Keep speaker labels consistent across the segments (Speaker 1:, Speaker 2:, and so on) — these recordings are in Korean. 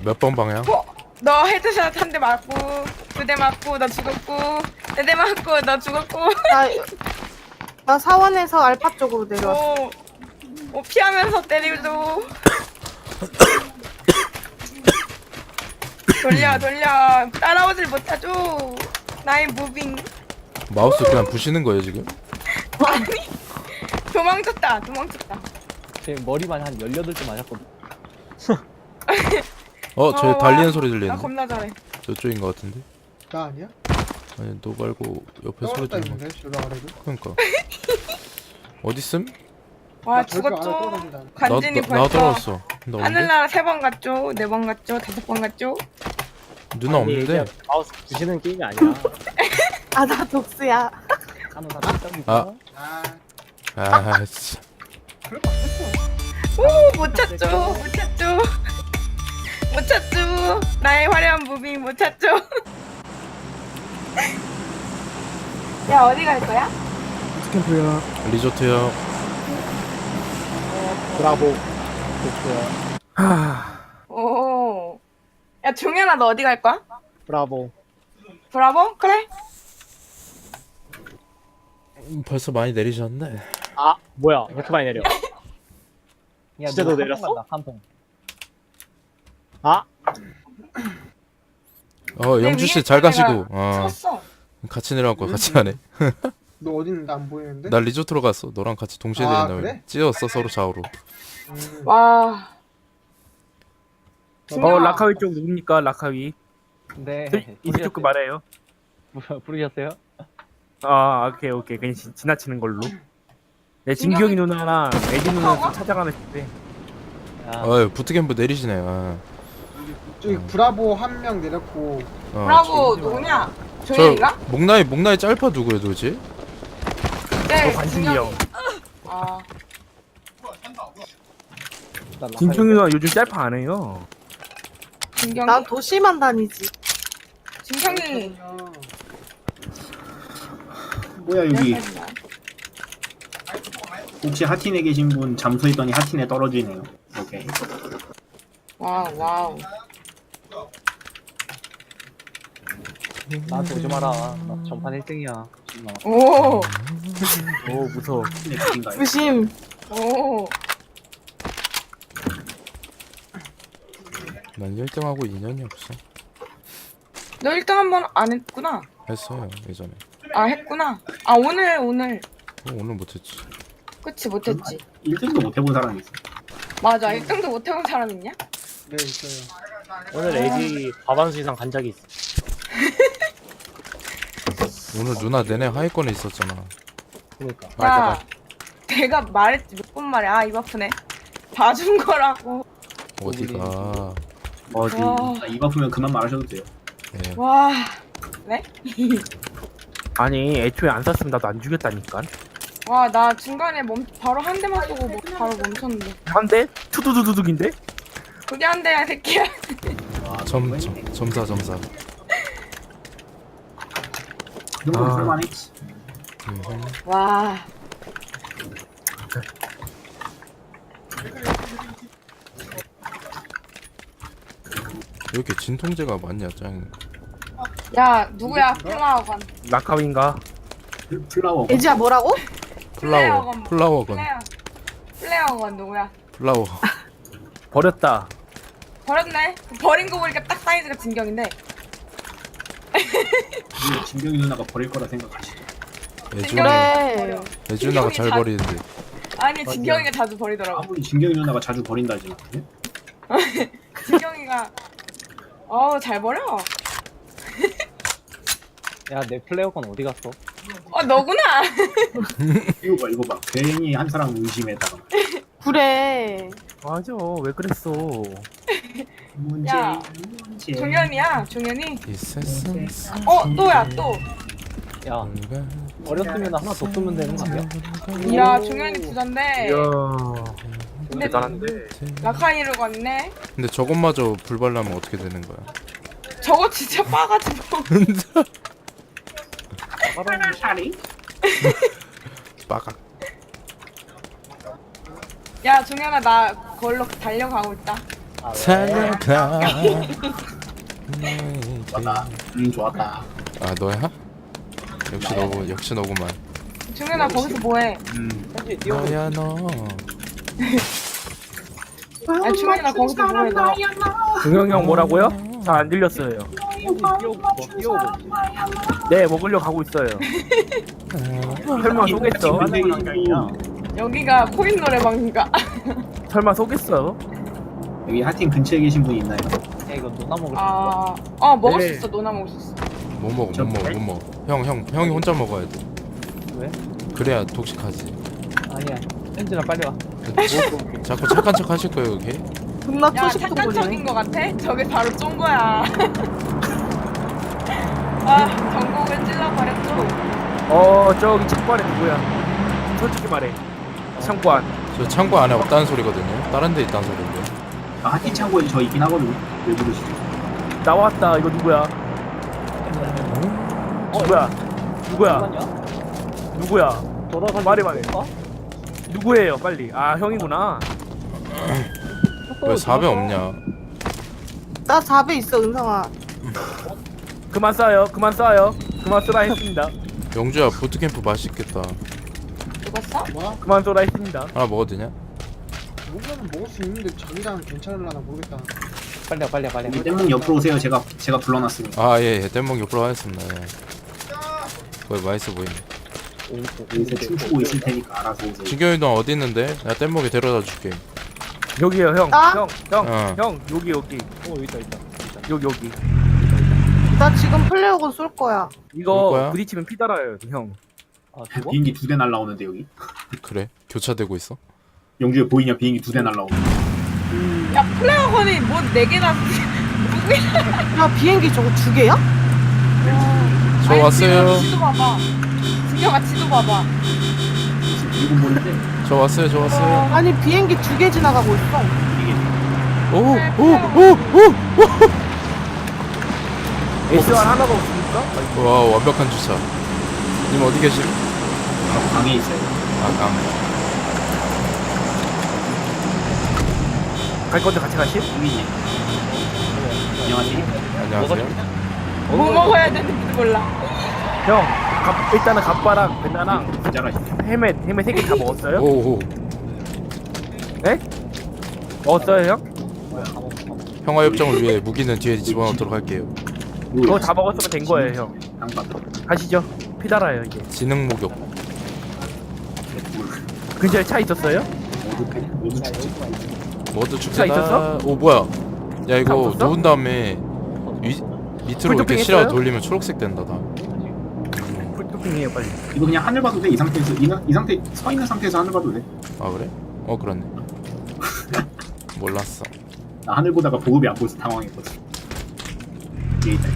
Speaker 1: 몇 번 방향?
Speaker 2: 너 헤드샷 한 대 맞고 2대 맞고 너 죽었고 4대 맞고 너 죽었고
Speaker 3: 나 사원에서 알파 쪽으로 내려왔어.
Speaker 2: 피하면서 때리고 돌려 따라오질 못하죠. 나의 무빙.
Speaker 1: 마우스 그냥 부시는 거예요 지금?
Speaker 2: 아니 도망쳤다.
Speaker 4: 제 머리만 한 18대 맞았거든.
Speaker 1: 저 달리는 소리
Speaker 2: 나
Speaker 1: 들리는데?
Speaker 2: 겁나 잘해.
Speaker 1: 저쪽인 것 같은데?
Speaker 5: 나 아니야?
Speaker 1: 아니 너 말고 옆에 소리
Speaker 5: 떨어졌다
Speaker 1: 들리는
Speaker 5: 있는데 저랑 아래도.
Speaker 1: 그러니까 어딨음?
Speaker 2: 와
Speaker 5: 나 절벽 안에
Speaker 2: 죽었죠.
Speaker 5: 떨어진다.
Speaker 2: 간진이
Speaker 1: 나
Speaker 2: 벌써
Speaker 1: 떨어졌어. 나 없는데?
Speaker 2: 하늘나라 3번 갔죠. 4번 갔죠. 5번 갔죠.
Speaker 1: 누나 없는데?
Speaker 4: 마우스 부시는 게임이 아니야.
Speaker 3: 아, 나 독스야.
Speaker 4: 하는 사람 있다니까.
Speaker 1: 아. 아 진짜
Speaker 5: 그럴 거 없었어.
Speaker 2: 못 찾죠. 나의 화려한 무빙 못 찾죠. 야 어디 갈 거야?
Speaker 5: 스캠프야.
Speaker 1: 리조트요.
Speaker 4: 브라보. 좋고요.
Speaker 2: 오. 야 종현아 너 어디 갈 거야?
Speaker 4: 브라보.
Speaker 2: 브라보? 그래.
Speaker 1: 벌써 많이 내리셨네.
Speaker 4: 아 뭐야? 이렇게 많이 내려. 진짜 너 내렸어?
Speaker 6: 한통.
Speaker 4: 아
Speaker 1: 영주 씨 잘 가시고.
Speaker 2: 섰어.
Speaker 1: 같이 내려갖고 같이 하네.
Speaker 5: 너 어디 있는데 안 보이는데?
Speaker 1: 나 리조트로 갔어. 너랑 같이 동시에
Speaker 5: 아,
Speaker 1: 내린다며.
Speaker 5: 그래?
Speaker 1: 찌었어 서로 좌우로.
Speaker 2: 와.
Speaker 6: 라카위 쪽 누굽니까? 라카위.
Speaker 4: 네.
Speaker 6: 이쪽 그 말해요.
Speaker 4: 부르셨어요?
Speaker 6: 아, 오케이. 그냥 지나치는 걸로. 네, 진경이 누나랑 에디 누나 좀 찾아가는 데.
Speaker 1: 아유 부트캠프 내리시네요.
Speaker 5: 저기 브라보 한 명 내렸고.
Speaker 2: 브라보 누구냐?
Speaker 1: 저
Speaker 2: 종현이가?
Speaker 1: 목나이 짤파 누구예요 도대체?
Speaker 2: 네.
Speaker 6: 관심이 형.
Speaker 2: 아.
Speaker 6: 진경이 누나 요즘 짤파 안 해요.
Speaker 2: 진경이.
Speaker 3: 난 도시만 다니지.
Speaker 2: 진경이.
Speaker 7: 뭐야 여기
Speaker 2: 몇 살이야?
Speaker 7: 혹시 하틴에 계신 분 잠수했더니 하틴에 떨어지네요. 오케이.
Speaker 2: 와우.
Speaker 4: 나한테 오지 마라. 나 전판 1등이야.
Speaker 2: 오.
Speaker 6: 오, 무서워.
Speaker 7: 하틴에 계신가요?
Speaker 3: 부심.
Speaker 2: 오.
Speaker 1: 난 1등하고 인연이 없어.
Speaker 2: 너 1등 한 번 안 했구나.
Speaker 1: 했어요 예전에.
Speaker 2: 아 했구나. 아 오늘
Speaker 1: 오늘 못했지.
Speaker 2: 그치 못했지.
Speaker 7: 1등도 못 해본 사람이 있어.
Speaker 2: 맞아 1등도 못 해본 사람 있냐?
Speaker 5: 네 있어요.
Speaker 4: 오늘 에디 과반수 이상 간 적이 있어.
Speaker 1: 오늘 누나 내내 하위권에 있었잖아.
Speaker 4: 그러니까.
Speaker 2: 야 내가 말했지 몇 번 말해. 아 입 아프네. 봐준 거라고.
Speaker 1: 어디가?
Speaker 6: 어디?
Speaker 7: 입 아프면 그만 말하셔도 돼요.
Speaker 1: 예.
Speaker 2: 와. 네?
Speaker 6: 아니, 애초에 안 쐈으면 나도 안 죽였다니까.
Speaker 2: 와 나 중간에 바로 한 대만 쏘고 바로 멈췄는데.
Speaker 6: 한 대? 투두두두둑인데?
Speaker 2: 그게 한 대야 새끼야.
Speaker 7: 와,
Speaker 1: 점사.
Speaker 7: 그 정도면
Speaker 6: 아.
Speaker 7: 할만했지.
Speaker 2: 와.
Speaker 1: 왜 이렇게 진통제가 많냐 짱.
Speaker 2: 야 누구야 플라워건.
Speaker 6: 라카위인가?
Speaker 7: 플라워.
Speaker 3: 애지야 뭐라고?
Speaker 1: 플라워건.
Speaker 2: 플레어건 누구야?
Speaker 1: 플라워.
Speaker 6: 버렸다.
Speaker 2: 버렸네. 버린 거 보니까 딱 사이즈가 진경인데.
Speaker 7: 진경이 누나가 버릴 거라 생각하시죠.
Speaker 3: 그래.
Speaker 1: 애주나가 잘
Speaker 2: 다-
Speaker 1: 버리는데.
Speaker 2: 아니 진경이가 자주 버리더라고.
Speaker 7: 아무리 진경이 누나가 자주 버린다지만. 예?
Speaker 2: 진경이가 잘 버려.
Speaker 4: 야 내 플레이어건 어디 갔어?
Speaker 2: 너구나.
Speaker 7: 이거 봐. 괜히 한 사람 의심했다가.
Speaker 3: 그래.
Speaker 6: 맞아, 왜 그랬어?
Speaker 2: 야,
Speaker 7: 문제.
Speaker 2: 종현이야. 종현이.
Speaker 1: 이 세상
Speaker 2: 또야 또.
Speaker 4: 야 버렸으면 하나 더 쓰면 되는 거 아니야?
Speaker 2: 야 종현이 부잔데.
Speaker 6: 이야,
Speaker 2: 근데
Speaker 6: 대단한데.
Speaker 2: 라카이를 갔네.
Speaker 1: 근데 저것마저 불발라면 어떻게 되는 거야?
Speaker 2: 저거 진짜 빠가지고.
Speaker 1: 빠각.
Speaker 2: 야 종현아 나 그걸로 달려가고 있다.
Speaker 1: 살려가.
Speaker 7: 좋았다. 좋았다.
Speaker 1: 아 너야? 역시 너구만.
Speaker 2: 중현아 거기서 뭐해?
Speaker 4: 현지 뛰어오고
Speaker 1: 너야 너.
Speaker 2: 아 중현아 거기서 뭐해 너?
Speaker 6: 동영이 형 뭐라고요? 잘 안 들렸어요.
Speaker 4: 현지 뛰어오고 뭐 뛰어오고 있지.
Speaker 6: 네, 먹으려 가고 있어요. 설마 속겠어?
Speaker 2: 여기가 코인 노래방인가?
Speaker 6: 설마 속겠어?
Speaker 7: 여기 하팀 근처에 계신 분 있나요?
Speaker 4: 야 이거 노나 먹을 수 있어?
Speaker 2: 먹을 수
Speaker 6: 네.
Speaker 2: 있어. 노나 먹을 수 있어.
Speaker 1: 못 먹어. 형이 혼자 먹어야 돼.
Speaker 4: 왜?
Speaker 1: 그래야 독식하지.
Speaker 4: 아니야. 현진아 빨리 와.
Speaker 1: 자꾸 착한 척 하실 거예요 여기.
Speaker 3: 존나
Speaker 2: 야
Speaker 3: 초식동
Speaker 2: 착한 척인
Speaker 3: 거리네.
Speaker 2: 거 같아? 저게 바로 쫀 거야. 아 전국을 찔러버렸어.
Speaker 6: 저기 창고안에 누구야? 솔직히 말해. 창고안.
Speaker 1: 저 창고 안에 없다는 소리거든요. 다른 데 있다는 소리인데.
Speaker 7: 아, 하팀 창고에 저 있긴 하거든요. 왜 부르시죠?
Speaker 6: 나왔다. 이거 누구야? 누구야? 누구야?
Speaker 4: 잠깐만요.
Speaker 6: 누구야?
Speaker 4: 돌아가지고
Speaker 6: 말해.
Speaker 4: 어?
Speaker 6: 누구예요? 빨리. 아, 형이구나.
Speaker 1: 왜 4배 없냐?
Speaker 3: 나 4배 있어 은성아.
Speaker 6: 그만 쏴요. 그만 쏘라 했습니다.
Speaker 1: 영주야 부트캠프 맛있겠다.
Speaker 2: 죽었어?
Speaker 6: 그만 쏘라 했습니다.
Speaker 1: 하나 먹어도 되냐?
Speaker 5: 먹으면 먹을 수 있는데 자기랑 괜찮을라나 모르겠다.
Speaker 4: 빨리 와.
Speaker 7: 우리 땜목 옆으로 오세요. 제가 불러놨으니까.
Speaker 1: 아예 뗏목 옆으로 하겠습니다. 예. 거의 맛있어 보이네.
Speaker 7: 여기서 춤추고 있을 테니까 알아서 오세요.
Speaker 1: 진경이 너 어디 있는데? 내가 뗏목에 데려다 줄게.
Speaker 6: 여기요, 형.
Speaker 3: 나?
Speaker 1: 어.
Speaker 6: 여기.
Speaker 4: 여기 있다.
Speaker 6: 여기.
Speaker 3: 나 지금 플레이어건 쏠 거야.
Speaker 6: 이거
Speaker 1: 거야?
Speaker 6: 부딪히면 피 달아요, 형.
Speaker 4: 아 죽어?
Speaker 7: 비행기 2대 날라오는데 여기.
Speaker 1: 그래? 교차되고 있어?
Speaker 7: 영주에 보이냐? 비행기 2대 날라오는.
Speaker 2: 야 플레어건이 뭐 4개나
Speaker 3: 야 비행기 저거 2개야?
Speaker 1: 저 왔어요.
Speaker 2: 지도 봐봐. 진경아 지도 봐봐.
Speaker 7: 일본 모는데
Speaker 1: 저 왔어요.
Speaker 3: 아니 비행기 2개 지나가고 있어.
Speaker 1: 오.
Speaker 6: S1 하나가 없습니까?
Speaker 1: 와 완벽한 주차. 님 어디 계심?
Speaker 7: 방에 있어요.
Speaker 1: 아 강.
Speaker 6: 갈 건데 같이 가실?
Speaker 7: 이민님. 안녕하세요.
Speaker 1: 안녕하세요.
Speaker 2: 뭐 먹어야 되는지도 몰라.
Speaker 6: 형, 일단은 갑바랑 벤나랑
Speaker 7: 잘하시네.
Speaker 6: 헬멧 3개 다 먹었어요?
Speaker 1: 오오.
Speaker 6: 네? 먹었어요, 형?
Speaker 1: 평화 협정을 위해 무기는 뒤에 집어넣도록 할게요.
Speaker 6: 그거 다 먹었으면 된 거예요, 형.
Speaker 7: 양반.
Speaker 6: 가시죠. 피 달아요, 이제.
Speaker 1: 지능 목욕.
Speaker 6: 근처에 차 있었어요?
Speaker 7: 모두 죽지.
Speaker 1: 모두
Speaker 6: 차
Speaker 1: 축제다.
Speaker 6: 있었어?
Speaker 1: 오 뭐야? 야
Speaker 6: 차
Speaker 1: 이거
Speaker 6: 없었어?
Speaker 1: 누운 다음에 밑으로 이렇게
Speaker 6: 풀토핑
Speaker 1: 실어
Speaker 6: 했어요?
Speaker 1: 돌리면 초록색 된다 다.
Speaker 6: 풀토핑이에요, 빨리.
Speaker 7: 이거 그냥 하늘 봐도 돼. 이 상태에서 이 상태 서 있는 상태에서 하늘 봐도 돼.
Speaker 1: 아 그래? 그렇네. 몰랐어.
Speaker 7: 나 하늘 보다가 보급이 안 보여서 당황했거든. 뒤에 있다.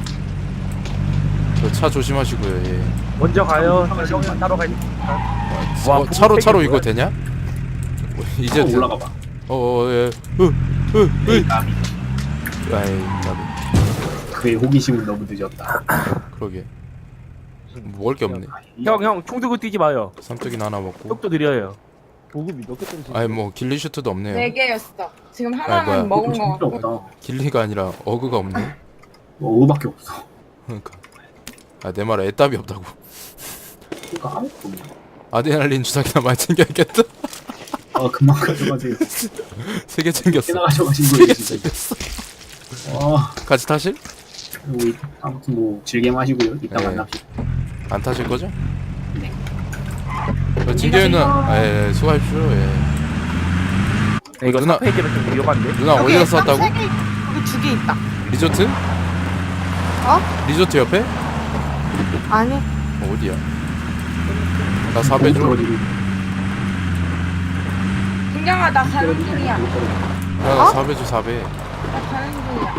Speaker 1: 저 차 조심하시고요. 예.
Speaker 6: 먼저 가요. 저 형이 따로 가야 돼. 와,
Speaker 1: 차로
Speaker 6: 보급팩이
Speaker 1: 이거
Speaker 6: 뭐야?
Speaker 1: 되냐? 이제
Speaker 7: 이제 올라가 봐.
Speaker 1: 예.
Speaker 7: 감이.
Speaker 1: 아이 나도
Speaker 7: 그의 호기심은 너무 늦었다.
Speaker 1: 그러게. 먹을 게 없네.
Speaker 6: 형, 총 들고 뛰지 마요.
Speaker 1: 삼뚝이나 하나 먹고.
Speaker 6: 속도 느려요.
Speaker 4: 보급이 몇 개 떨어지?
Speaker 1: 아니 뭐 길리 슈트도 없네요.
Speaker 2: 4개였어. 지금
Speaker 1: 뭐야.
Speaker 2: 하나는 먹은 거
Speaker 7: 필요
Speaker 2: 같고.
Speaker 7: 없다.
Speaker 1: 길리가 아니라 어그가 없네.
Speaker 7: 어밖에 없어.
Speaker 1: 그러니까. 내 말에 애답이 없다고.
Speaker 7: 그러니까 아무것도 없네.
Speaker 1: 아드레날린 주사기나 많이 챙겨야겠다.
Speaker 7: 금방 가져가세요.
Speaker 1: 3개 챙겼어.
Speaker 7: 지나가셔가신
Speaker 1: 3개
Speaker 7: 거예요 진짜.
Speaker 1: 챙겼어. 같이 타실?
Speaker 7: 우리 아무튼 뭐 즐겨 마시고요. 이따
Speaker 1: 네.
Speaker 7: 만납시다.
Speaker 1: 안 타실 거죠?
Speaker 7: 네.
Speaker 1: 진경이는 예, 수고하십시오. 예.
Speaker 6: 이거
Speaker 1: 누나-
Speaker 6: 사페이지는 좀 위험한데.
Speaker 1: 누나 어디서 샀다고?
Speaker 3: 3개 여기 2개 있다.
Speaker 1: 리조트? 리조트 옆에?
Speaker 3: 아니
Speaker 1: 어디야? 나 4배 줘.
Speaker 2: 진경아 나 가는 중이야.
Speaker 1: 야, 나 4배 줘 4배.
Speaker 2: 나 가는 중이야.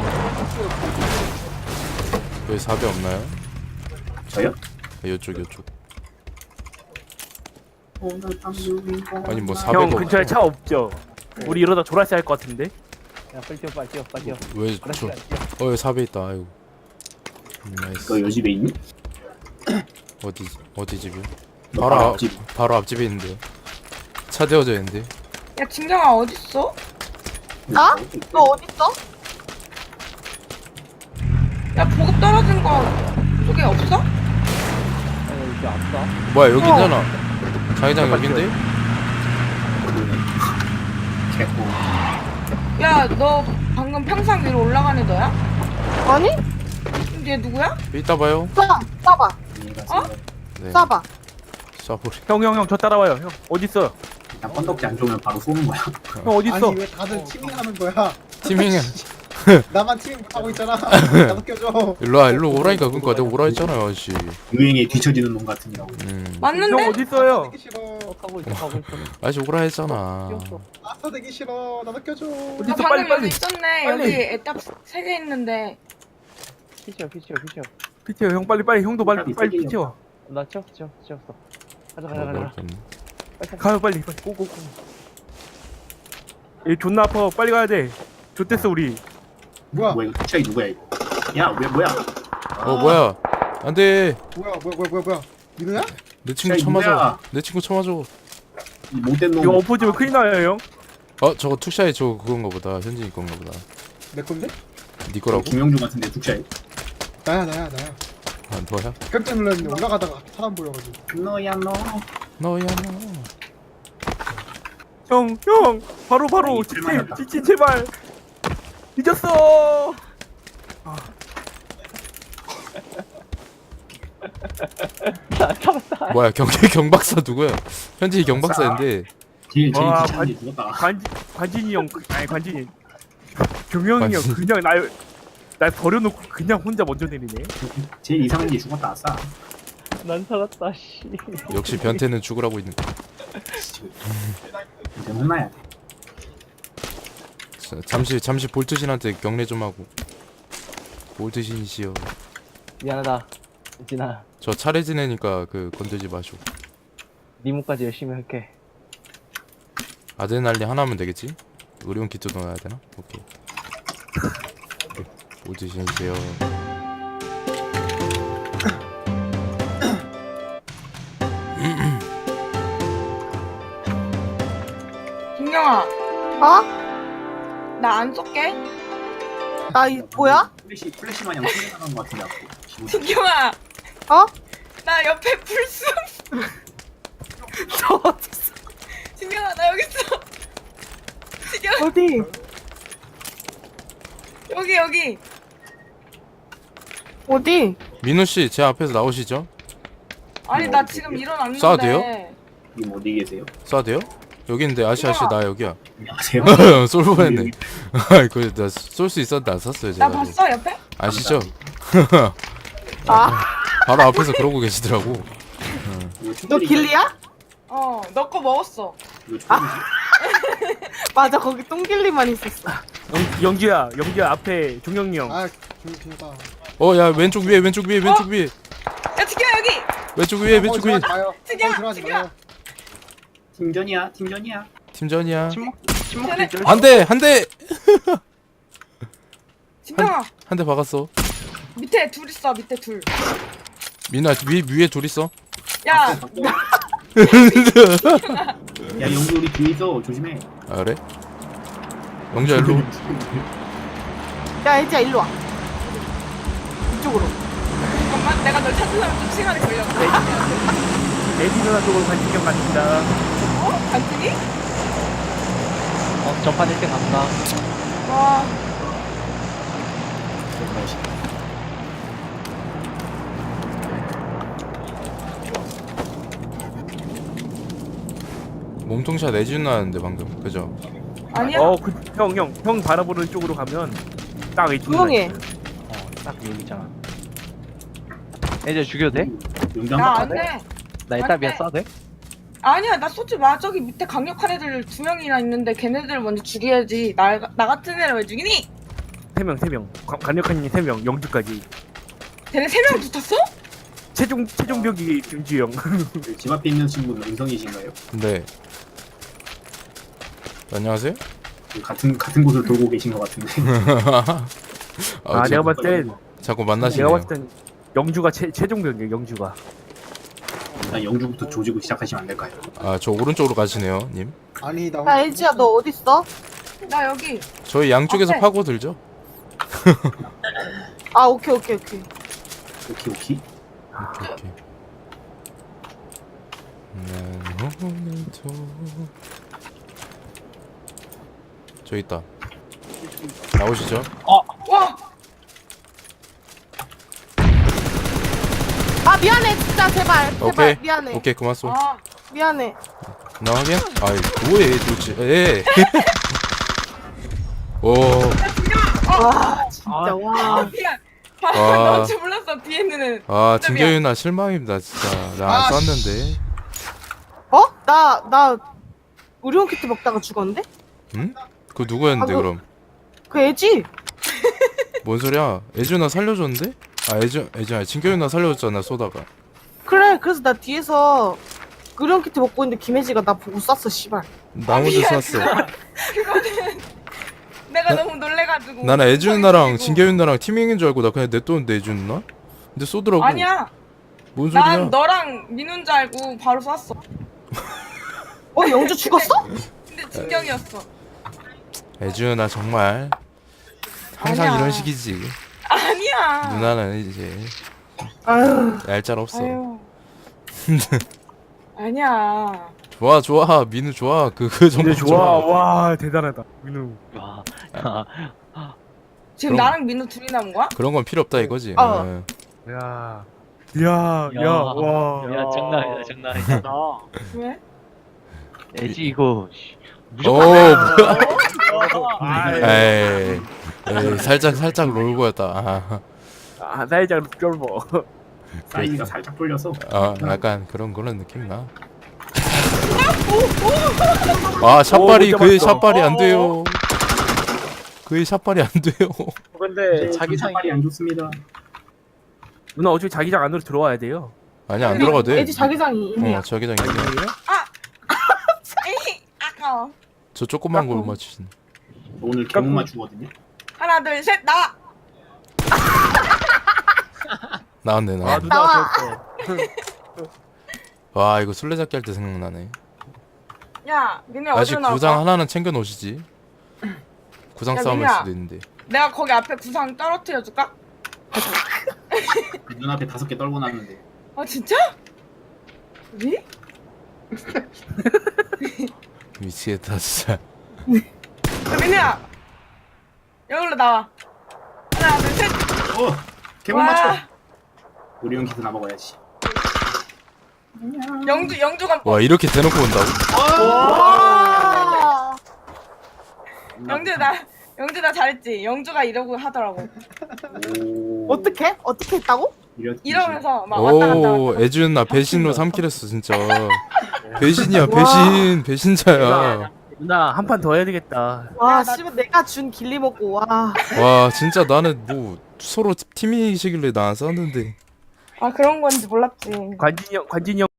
Speaker 1: 여기 4배 없나요?
Speaker 7: 저요?
Speaker 1: 요쪽. 아니 뭐
Speaker 6: 형
Speaker 1: 4배가
Speaker 6: 근처에 차 없죠? 우리 이러다 졸았어야 할 것 같은데.
Speaker 4: 야 빨리 뛰어.
Speaker 1: 왜 저? 여기 4배 있다. 아이고. 나이스.
Speaker 7: 너 요집에 있니?
Speaker 1: 어디 집이요?
Speaker 7: 너
Speaker 1: 바로
Speaker 7: 앞집.
Speaker 1: 바로 앞집에 있는데요. 차 대워져 있는데.
Speaker 2: 야 진경아 어딨어?
Speaker 3: 나? 너 어딨어?
Speaker 2: 야 보급 떨어진 거 쪽에 없어?
Speaker 4: 아니 이렇게 앞서.
Speaker 1: 뭐야 여기 있잖아. 자기장 여긴데?
Speaker 7: 개고.
Speaker 2: 야 너 방금 평상 위로 올라간 애 너야?
Speaker 3: 아니?
Speaker 2: 근데 얘 누구야?
Speaker 1: 이따 봐요.
Speaker 3: 쏴봐.
Speaker 2: 어?
Speaker 1: 네.
Speaker 3: 쏴봐.
Speaker 1: 쏴버리.
Speaker 6: 형 저 따라와요. 형 어디 있어?
Speaker 7: 일단 건덕지 안 좋으면 바로 쏘는 거야.
Speaker 6: 형 어디 있어?
Speaker 5: 아니 왜 다들 티밍하는 거야?
Speaker 1: 티밍은
Speaker 5: 나만 티밍 못하고 있잖아. 나도 껴줘.
Speaker 1: 일로 오라니까 그니까 내가 오라 했잖아요 아저씨.
Speaker 7: 유행에 뒤처지는 놈 같으니라고.
Speaker 2: 맞는데?
Speaker 6: 형 어디 있어요?
Speaker 5: 되기 싫어.
Speaker 4: 가고 있어.
Speaker 1: 아저씨 오라 했잖아.
Speaker 4: 뛰었어.
Speaker 5: 아싸 되기 싫어. 나도 껴줘.
Speaker 6: 어디
Speaker 2: 나
Speaker 6: 있어?
Speaker 2: 방금
Speaker 6: 빨리
Speaker 2: 여기
Speaker 6: 빨리.
Speaker 2: 있었네.
Speaker 6: 빨리.
Speaker 2: 여기 애답 3개 있는데.
Speaker 4: 피치어.
Speaker 6: 피치요 형 빨리 형도 빨리
Speaker 7: 빨리
Speaker 6: 피치요.
Speaker 4: 나 치웠어. 가자.
Speaker 1: 모르겠네.
Speaker 6: 가요 빨리 고고고. 얘 존나 아파 빨리 가야 돼. 좋댔어 우리.
Speaker 5: 뭐야?
Speaker 7: 뭐야 이거 투차이 누구야 이거? 야 왜 뭐야?
Speaker 1: 뭐야? 안돼.
Speaker 5: 뭐야? 민우야?
Speaker 1: 내 친구
Speaker 7: 야,
Speaker 1: 쳐맞아.
Speaker 7: 이거야.
Speaker 1: 내 친구 쳐맞아.
Speaker 7: 이 못된
Speaker 6: 이거
Speaker 7: 놈.
Speaker 6: 엎어지면 큰일 나요 형.
Speaker 1: 저거 투샤이 저 그건가 보다. 현진이 건가 보다.
Speaker 5: 내 건데?
Speaker 1: 니 거라고?
Speaker 7: 김영중 같은데 투차이.
Speaker 5: 나야.
Speaker 1: 아 너야?
Speaker 5: 깜짝 놀랐는데 올라가다가 사람 보여가지고.
Speaker 7: 너야 너.
Speaker 1: 너야 너.
Speaker 6: 형 바로
Speaker 7: 아니, 실망했다.
Speaker 6: 지친 제발. 잊었어.
Speaker 1: 뭐야 경박사 누구야? 현진이 경박사인데.
Speaker 7: 제일
Speaker 6: 와,
Speaker 7: 귀찮은데 죽었다.
Speaker 6: 관진이 형 아니 관진이 경영이 형
Speaker 1: 관진.
Speaker 6: 그냥 날 버려놓고 그냥 혼자 먼저 내리네.
Speaker 7: 제일 이상한 게 죽었다 아싸.
Speaker 4: 난 살았다. 씨.
Speaker 1: 역시 변태는 죽으라고 있는 거.
Speaker 7: 이제 혼나야 돼.
Speaker 1: 잠시 볼트신한테 경례 좀 하고. 볼트신이시여.
Speaker 4: 미안하다. 진아.
Speaker 1: 저 차례 지내니까 건들지 마시오.
Speaker 4: 니모까지 열심히 할게.
Speaker 1: 아드레날린 하나면 되겠지? 의료용 키트 넣어야 되나? 오케이. 볼트신이세요.
Speaker 2: 김영아,
Speaker 3: 어?
Speaker 2: 나 안 쏠게.
Speaker 3: 뭐야?
Speaker 7: 플래시 마냥 풀려나간 것 같은데 앞으로. 기분
Speaker 2: 김영아,
Speaker 3: 어?
Speaker 2: 나 옆에 풀숲.
Speaker 3: 저 어딨어?
Speaker 2: 김영아, 나 여기 있어. 지금
Speaker 3: 어디?
Speaker 2: 여기.
Speaker 3: 어디?
Speaker 1: 민우 씨, 제 앞에서 나오시죠?
Speaker 2: 아니 나 지금 일어났는데.
Speaker 1: 쏴도 돼요?
Speaker 7: 님 어디 계세요?
Speaker 1: 쏴도 돼요? 여기 있는데 아씨 나 여기야.
Speaker 7: 안녕하세요.
Speaker 1: 쏠 뻔했네. 나 쏠 수 있었는데 안 쐈어요 제가.
Speaker 2: 나 봤어 옆에?
Speaker 1: 아시죠?
Speaker 3: 아,
Speaker 1: 바로 앞에서 그러고 계시더라고.
Speaker 3: 너 길리야?
Speaker 2: 너 거 먹었어.
Speaker 3: 맞아, 거기 똥길리만 있었어.
Speaker 6: 영규야 앞에 종영이 형.
Speaker 5: 아 조용히다.
Speaker 1: 야 왼쪽 위에.
Speaker 2: 야 지금아 여기.
Speaker 1: 왼쪽 위에.
Speaker 5: 들어가지 마요.
Speaker 2: 지금,
Speaker 5: 들어가지
Speaker 2: 지금.
Speaker 5: 마요.
Speaker 7: 팀전이야.
Speaker 1: 팀전이야.
Speaker 2: 전에
Speaker 1: 한 대
Speaker 2: 진정아
Speaker 1: 박았어.
Speaker 2: 밑에 둘 있어 밑에 둘.
Speaker 1: 민아 위에 둘 있어.
Speaker 2: 야
Speaker 7: 야 영주 우리 뒤에 있어. 조심해.
Speaker 1: 아 그래? 영자 일로.
Speaker 3: 야, 애지야, 일로 와. 이쪽으로.
Speaker 2: 잠깐만 내가 널 찾으려면 좀 시간이 걸려.
Speaker 6: 에디 누나 쪽으로 관진이 형 갑니다.
Speaker 2: 간증이?
Speaker 4: 전판 1등 간다.
Speaker 2: 와
Speaker 1: 몸통샷 내주는 나는데 방금 그죠?
Speaker 2: 아니야?
Speaker 6: 형 바라보는 쪽으로 가면 딱 에디 누나.
Speaker 3: 조용해.
Speaker 4: 딱 여기 있잖아. 이제 죽여도 돼?
Speaker 7: 용장
Speaker 2: 나
Speaker 7: 바꿔.
Speaker 2: 안돼.
Speaker 4: 나 이따 미야 쏴도 돼?
Speaker 2: 아니야 나 쏘지 마. 저기 밑에 강력한 애들 2명이나 있는데 걔네들 먼저 죽여야지. 나 같은 애를 왜 죽이니?
Speaker 6: 3명 강력한 님 3명 영주까지.
Speaker 2: 걔네 3명 붙었어?
Speaker 6: 최종벽이 김주 형.
Speaker 7: 집 앞에 있는 친구는 은성이신가요?
Speaker 1: 네. 안녕하세요?
Speaker 7: 같은 곳을 돌고 계신 것 같은데.
Speaker 1: 저-
Speaker 6: 내가 봤을 땐
Speaker 1: 자꾸
Speaker 6: 내가
Speaker 1: 만나시네요.
Speaker 6: 봤을 땐 영주가 최종벽이에요 영주가.
Speaker 7: 일단 영주부터 조지고 시작하시면 안 될까요?
Speaker 1: 저 오른쪽으로 가시네요, 님.
Speaker 5: 아니 나
Speaker 3: 야, 애지야, 너 어딨어?
Speaker 2: 나 여기.
Speaker 1: 저희 양쪽에서
Speaker 2: 앞에.
Speaker 1: 파고 들죠.
Speaker 3: 아 오케이 오케이 오케이.
Speaker 7: 오케이 오케이.
Speaker 1: 오케이. 난 오늘도 저기 있다. 나오시죠.
Speaker 2: 와.
Speaker 3: 아 미안해 진짜 제발
Speaker 1: 오케이.
Speaker 3: 미안해.
Speaker 1: 오케이 그만 쏘.
Speaker 2: 아.
Speaker 3: 미안해.
Speaker 1: 나 확인? 아이 뭐해 도대체. 에. 오.
Speaker 3: 와 진짜
Speaker 4: 아,
Speaker 3: 와.
Speaker 2: 미안.
Speaker 1: 와.
Speaker 2: 너무 몰랐어 뒤에 있는 애는.
Speaker 1: 아
Speaker 2: 진짜
Speaker 1: 진경이 누나 실망입니다 진짜. 나 안
Speaker 5: 아,
Speaker 1: 쐈는데.
Speaker 3: 어? 나 의료용 키트 먹다가 죽었는데?
Speaker 1: 응? 그 누구였는데
Speaker 3: 아, 그-
Speaker 1: 그럼?
Speaker 3: 그 애지?
Speaker 1: 뭔 소리야? 애주 누나 살려줬는데? 아 애주 아니 진경이 누나 살려줬잖아 쏘다가.
Speaker 3: 그래 그래서 나 뒤에서 의료용 키트 먹고 있는데 김혜지가 나 보고 쐈어 씨발.
Speaker 1: 나 혼자 쐈어.
Speaker 2: 내가 너무 놀래가지고.
Speaker 1: 나는 애주 누나랑
Speaker 2: 죽이고.
Speaker 1: 진경이 누나랑 티밍인 줄 알고 나 그냥 냅뒀는데 애주 누나? 근데 쏘더라고.
Speaker 2: 아니야.
Speaker 1: 뭔 소리야?
Speaker 2: 난 너랑 민우인 줄 알고 바로 쐈어.
Speaker 3: 어 영주 죽었어?
Speaker 2: 근데 진경이었어.
Speaker 1: 애주 누나 정말 항상
Speaker 2: 아니야.
Speaker 1: 이런 식이지.
Speaker 2: 아니야.
Speaker 1: 누나는 이제
Speaker 3: 아유
Speaker 1: 얄짤 없어.
Speaker 2: 아유. 아니야.
Speaker 1: 좋아 민우 좋아 그 정도
Speaker 6: 근데 좋아. 와 대단하다. 민우.
Speaker 4: 와.
Speaker 2: 지금
Speaker 1: 그럼-
Speaker 2: 나랑 민우 둘이 남은 거야?
Speaker 1: 그런 건 필요 없다 이거지.
Speaker 3: 어.
Speaker 1: 응.
Speaker 6: 야. 와.
Speaker 4: 야 장난 아니다 장난 아니다.
Speaker 2: 왜?
Speaker 4: 애지 이거.
Speaker 1: 오
Speaker 6: 아이.
Speaker 1: 에이 살짝 롤고였다.
Speaker 6: 아 살짝 쫄보.
Speaker 7: 사이즈가 살짝 불려서.
Speaker 1: 약간 그런 느낌 나. 아 샷발이
Speaker 6: 오, 못
Speaker 1: 그의
Speaker 6: 잡았어.
Speaker 1: 샷발이 안 돼요. 그의 샷발이 안 돼요.
Speaker 4: 근데
Speaker 7: 자기상이 안 좋습니다.
Speaker 6: 누나 어차피 자기장 안으로 들어와야 돼요.
Speaker 1: 아니 안 들어가도 돼.
Speaker 3: 애지 자기장이 이미야.
Speaker 1: 자기장이 있네.
Speaker 2: 에이, 아까워.
Speaker 1: 저 조그만 걸 맞추신.
Speaker 7: 오늘 개목만 주거든요.
Speaker 2: 하나, 둘, 셋, 나와!
Speaker 1: 나왔네
Speaker 6: 아
Speaker 1: 나.
Speaker 6: 누나
Speaker 3: 나와.
Speaker 6: 좋았어.
Speaker 1: 와 이거 술래잡기 할 때 생각나네.
Speaker 2: 야, 민우야,
Speaker 1: 아직
Speaker 2: 어디로 나올까?
Speaker 1: 구상 하나는 챙겨 놓으시지. 구상
Speaker 2: 야,
Speaker 1: 싸움일
Speaker 2: 민우야.
Speaker 1: 수도 있는데.
Speaker 2: 내가 거기 앞에 구상 떨어뜨려줄까?
Speaker 7: 그 눈앞에 5개 떨고 났는데.
Speaker 2: 아, 진짜? 우리?
Speaker 1: 미치겠다 진짜.
Speaker 2: 야, 민우야! 여기로 나와. 하나, 둘, 셋!
Speaker 7: 개목
Speaker 2: 와.
Speaker 7: 맞춰. 우리 형 키트나 먹어야지.
Speaker 2: 영주가
Speaker 1: 와 이렇게 대놓고 온다고?
Speaker 3: 와.
Speaker 2: 영주 나 잘했지? 영주가 이러고 하더라고.
Speaker 3: 어떻게 했다고?
Speaker 2: 이러면서 막 왔다 갔다
Speaker 1: 오
Speaker 2: 왔다.
Speaker 1: 애준 나 배신으로 3킬 했어 진짜. 배신이야
Speaker 3: 와.
Speaker 1: 배신자야.
Speaker 6: 누나 한 판 더 해야 되겠다.
Speaker 3: 와
Speaker 2: 야, 나-
Speaker 3: 씨발 내가 준 길리 먹고 와.
Speaker 1: 와 진짜 나는 뭐 서로 팀이시길래 나 안 쐈는데.
Speaker 2: 아, 그런 건지 몰랐지.
Speaker 6: 관진이 형